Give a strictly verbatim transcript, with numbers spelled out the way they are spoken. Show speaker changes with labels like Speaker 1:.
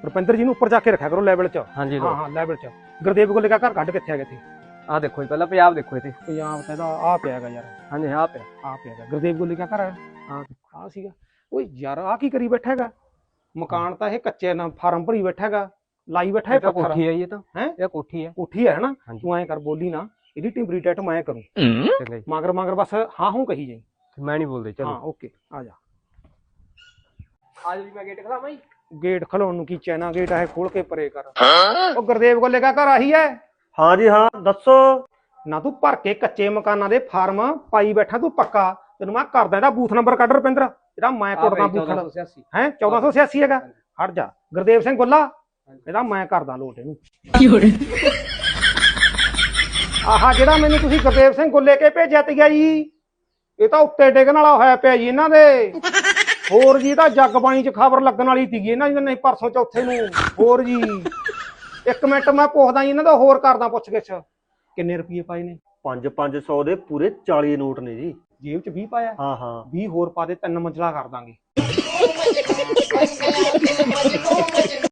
Speaker 1: ਰੁਪਿੰਦਰ ਜੀ ਨੂੰ ਉੱਪਰ ਜਾ ਕੇ ਰੱਖਿਆ ਕਰੋ ਲੈਵਲ 'ਚ।
Speaker 2: ਹਾਂਜੀ
Speaker 1: ਹਾਂ ਹਾਂ ਲੈਵਲ 'ਚ। ਗੁਰਦੇਵ ਗੋਲੇ ਦਾ ਘਰ ਕੱਢ ਕਿੱਥੇ ਹੈਗਾ ਇੱਥੇ?
Speaker 2: ਆਹ ਦੇਖੋ ਜੀ ਪਹਿਲਾਂ ਪੰਜਾਬ ਦੇਖੋ ਇੱਥੇ।
Speaker 1: ਪੰਜਾਬ ਤਾਂ ਇਹਦਾ ਆਹ ਪਿਆ ਹੈਗਾ ਯਾਰ।
Speaker 2: ਹਾਂਜੀ ਆਹ ਪਿਆ
Speaker 1: ਆਹ ਪਿਆ ਹੈਗਾ ਗੁਰਦੇਵ ਗੋਲੇ ਦਾ ਘਰ ਹੈ।
Speaker 2: ਆਹ
Speaker 1: ਆਹ ਸੀਗਾ। ਓਏ ਯਾਰ ਆਹ ਕੀ ਕਰੀ ਬੈਠਾ ਹੈਗਾ? ਮਕਾਨ ਤਾਂ ਇਹ ਕੱਚੇ ਨਾ ਫਾਰਮ ਭਰੀ ਬੈਠਾ ਹੈਗਾ, ਲਾਈ ਬੈਠਾ ਹੈ
Speaker 2: ਇਹ
Speaker 1: ਪੱਥਰ।
Speaker 2: ਕੋਠੀ ਹੈ ਜੀ, ਇਹ ਤਾਂ
Speaker 1: ਹੈਂ?
Speaker 2: ਇਹ ਕੋਠੀ ਹੈ।
Speaker 1: ਕੋਠੀ ਹੈ ਹਨਾ?
Speaker 2: ਹਾਂਜੀ।
Speaker 1: ਤੂੰ ਐਂ ਕਰ ਬੋਲੀ ਨਾ, ਇਹਦੀ ਟਿੰਬਰੀ ਟੈਟ ਮੈਂ ਕਰੂੰ।
Speaker 2: ਚੰਗਾ ਜੀ,
Speaker 1: ਮਗਰ ਮਗਰ ਬਸ ਹਾਂ ਹੂੰ ਕਹੀ ਜਾਈ।
Speaker 2: ਮੈਂ ਨਹੀਂ ਬੋਲਦੇ।
Speaker 1: ਹਾਂ
Speaker 2: ਚਲੋ
Speaker 1: ਓਕੇ ਆ ਜਾ।
Speaker 2: ਆ ਜੀ ਮੈਂ ਗੇਟ ਖਲਾਵਾਂ ਜੀ।
Speaker 1: ਗੇਟ ਖਲਾਉਣ ਨੂੰ ਕੀ ਚੈਨਾ ਗੇਟ ਹੈ, ਖੋਲ ਕੇ ਪਰੇ ਕਰ। ਉਹ ਗੁਰਦੇਵ ਗੋਲੇ ਦਾ ਘਰ ਆਹੀ ਹੈ?
Speaker 3: ਹਾਂ ਜੀ ਹਾਂ, ਦੱਸੋ।
Speaker 1: ਨਾ ਤੂੰ ਭਰ ਕੇ ਕੱਚੇ ਮਕਾਨਾਂ ਦੇ ਫਾਰਮ ਪਾਈ ਬੈਠਾ ਤੂੰ ਪੱਕਾ। ਤੈਨੂੰ ਮੈਂ ਕਰਦਾ ਇਹਦਾ ਬੂਥ ਨੰਬਰ ਕੱਢ ਰੁਪਿੰਦਰ, ਜਿਹੜਾ ਮੈਂ ਕੁੱਟਦਾ ਬੂਥ ਹੈ ਚੌਦਾਂ ਸੌ ਛਿਆਸੀ ਹੈਗਾ। ਹਟ ਜਾ ਗੁਰਦੇਵ ਸਿੰਘ ਗੋਲਾ, ਇਹਦਾ ਮੈਂ ਕਰਦਾ ਲੋਟ ਇਹਨੂੰ। ਆਹ ਜਿਹੜਾ ਮੈਨੂੰ ਤੁਸੀਂ ਗੁਰਦੇਵ ਸਿੰਘ ਗੋਲੇ ਕੇ ਭੇਜਿਆ ਤੀਗਾ ਜੀ, ਇਹ ਤਾਂ ਉੱਤੇ ਡਿੱਗਣ ਵਾਲਾ ਹੋਇਆ ਪਿਆ ਜੀ ਇਹਨਾਂ ਦੇ। ਹੋਰ ਜੀ ਤਾਂ ਜੱਗ ਬਾਣੀ 'ਚ ਖਬਰ ਲੱਗਣ ਵਾਲੀ ਸੀਗੀ ਇਹਨਾਂ ਦੀ, ਨਹੀਂ ਪਰਸੋਂ ਚੌਥੇ ਨੂੰ। ਹੋਰ ਜੀ ਇੱਕ ਮਿੰਟ ਮੈਂ ਪੁੱਛਦਾ ਜੀ ਇਹਨਾਂ ਦਾ, ਹੋਰ ਕਰਦਾ ਪੁੱਛ ਗਿੱਛ। ਕਿੰਨੇ ਰੁਪਏ ਪਾਏ ਨੇ?
Speaker 3: ਪੰਜ ਪੰਜ ਸੌ ਦੇ ਪੂਰੇ ਚਾਲੀ ਨੋਟ ਨੇ ਜੀ।
Speaker 1: ਜੇਬ 'ਚ ਵੀਹ ਪਾਇਆ?
Speaker 3: ਹਾਂ ਹਾਂ।
Speaker 1: ਵੀਹ ਹੋਰ ਪਾ ਦੇ, ਤਿੰਨ ਮੰਜ਼ਲਾ ਕਰ ਦਾਂਗੇ।